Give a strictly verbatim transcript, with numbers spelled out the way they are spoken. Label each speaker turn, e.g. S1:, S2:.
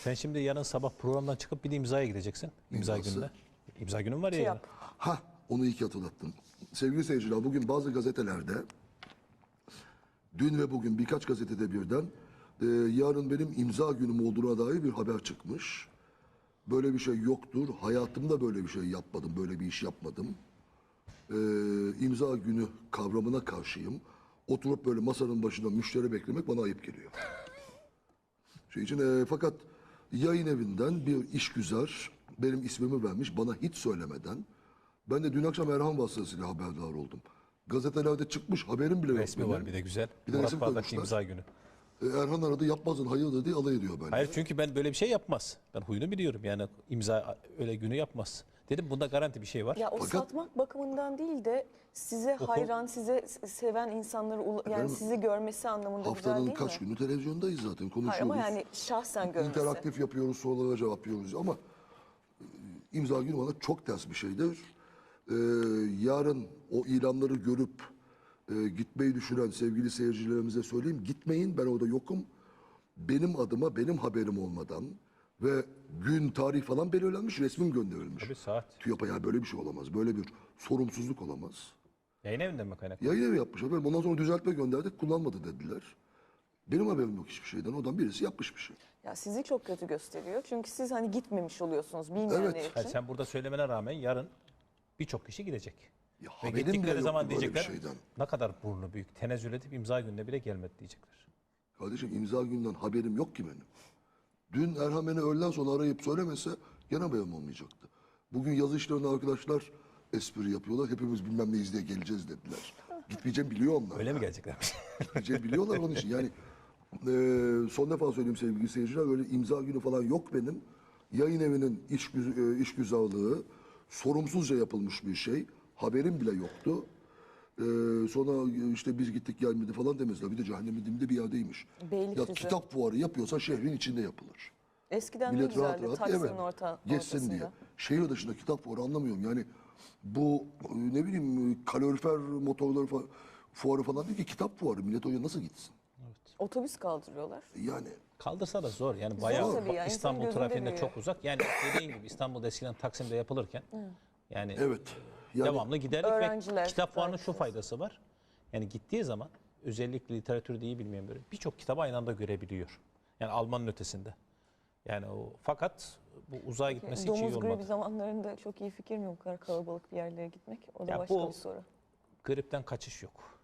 S1: Sen şimdi yarın sabah programdan çıkıp bir de imzaya gideceksin. İmza
S2: İmzası.
S1: gününde. İmza günün var ya.
S3: Şey
S1: yarın.
S3: yap.
S2: Ha, onu iyi ki hatırlattın. Sevgili seyirciler, bugün bazı gazetelerde, dün ve bugün birkaç gazetede birden e, yarın benim imza günüm olduğuna dair bir haber çıkmış. Böyle bir şey yoktur. Hayatımda böyle bir şey yapmadım, böyle bir iş yapmadım. E, imza günü kavramına karşıyım. Oturup böyle masanın başında müşteri beklemek bana ayıp geliyor. Şey için, e, fakat yayın evinden bir işgüzar benim ismimi vermiş bana hiç söylemeden. Ben de dün akşam Erhan vasıtasıyla haberdar oldum. Gazetelerde çıkmış, haberim bile yok.
S1: Resmi
S2: benim.
S1: var bir de güzel.
S2: Bir de
S1: Murat
S2: resim
S1: Bardak
S2: koymuşlar.
S1: imza günü.
S2: E, Erhan aradı, yapmazsın hayırdır diye alay ediyor böyle.
S1: Hayır çünkü ben böyle bir şey yapmaz. Ben huyunu biliyorum yani imza öyle günü yapmaz. Dedim bunda garanti bir şey var.
S3: Ya o
S2: Fakat-
S3: satmak bakımından değil de size hayran, size seven insanları ula- yani
S2: Efendim,
S3: sizi görmesi anlamında güzel
S2: Haftanın
S3: değil
S2: kaç
S3: mi?
S2: günü televizyondayız zaten, konuşuyoruz.
S3: Hayır ama yani şahsen görmesi.
S2: İnteraktif yapıyoruz, sorulara cevaplıyoruz ama e, imza günü bana çok ters bir şeydir. E, yarın o ilanları görüp e, gitmeyi düşünen sevgili seyircilerimize söyleyeyim. Gitmeyin, ben orada yokum. Benim adıma, benim haberim olmadan ve gün, tarih falan belirlenmiş, resmim gönderilmiş.
S1: Tabii saat.
S2: TÜYAP'a ya böyle bir şey olamaz. Böyle bir sorumsuzluk olamaz.
S1: Yayın evinden mi kaynaklı?
S2: Yayın evi yapmış efendim. Ondan sonra düzeltme gönderdik, kullanmadı dediler. Benim haberim yok hiçbir şeyden. Odan birisi yapmış bir şey.
S3: Ya sizi çok kötü gösteriyor. Çünkü siz hani gitmemiş oluyorsunuz bilmeyenler
S2: Evet.
S3: için.
S1: Hayır, sen burada söylemene rağmen yarın birçok kişi gidecek.
S2: Ya
S1: Ve
S2: haberim bile
S1: gittikleri
S2: yoktu
S1: zaman
S2: böyle bir
S1: diyecekler
S2: şeyden.
S1: ne kadar burnu büyük. Tenezzül edip imza gününe bile gelmedi diyecekler.
S2: Kardeşim imza günden haberim yok ki benim. Dün Erhan beni öğleden sonra arayıp söylemese gene haberim olmayacaktı. Bugün yazı işlerinde arkadaşlar espri yapıyorlar. Hepimiz bilmem neyiz diye geleceğiz dediler. Gitmeyeceğim biliyor onlar.
S1: Öyle mi geleceklermiş?
S2: Gitmeyeceğim biliyorlar onun için. Yani e, son defa söyleyeyim sevgili seyirciler. Öyle imza günü falan yok benim. Yayın evinin iş, güz- e, işgüzarlığı sorumsuzca yapılmış bir şey. Haberim bile yoktu. Ee, sonra işte biz gittik gelmedi falan demezler. Bir de cehennemin dibinde bir yerdeymiş.
S3: Beylikdüzü.
S2: Ya kitap fuarı yapıyorsa şehrin içinde yapılır.
S3: Eskiden ne
S2: Millet rahat
S3: güzeldi
S2: rahat
S3: Taksim'in
S2: evet,
S3: orta,
S2: geçsin
S3: ortasında.
S2: diye. Şehir dışında kitap fuarı anlamıyorum. Yani bu e, ne bileyim kalorifer motorları fa- fuarı falan değil ki kitap fuarı. Millet oraya nasıl gitsin?
S3: Otobüs kaldırıyorlar.
S2: Yani
S1: Kaldırsa da zor. Yani bayağı
S3: tabii ya, insanın
S1: İstanbul
S3: gözünde
S1: trafiğinde
S3: büyüyor.
S1: çok uzak. Yani dediğin gibi İstanbul'da eskiden Taksim'de yapılırken yani
S2: evet. Yani
S1: devamlı giderdik
S3: Öğrenciler,
S1: ve kitap fuarının şu
S3: öğrenciler.
S1: faydası var. Yani gittiği zaman özellikle literatürde iyi bilmeyen böyle birçok kitabı aynı anda görebiliyor. Yani Alman'ın ötesinde. Yani o fakat bu uzağa gitmesi hiç iyi
S3: Domuz gribi
S1: olmadı.
S3: zamanlarında çok iyi fikir mi bu kadar kalabalık bir yerlere gitmek? O da
S1: Ya
S3: başka
S1: bu-
S3: bir soru.
S1: Gripten kaçış yok.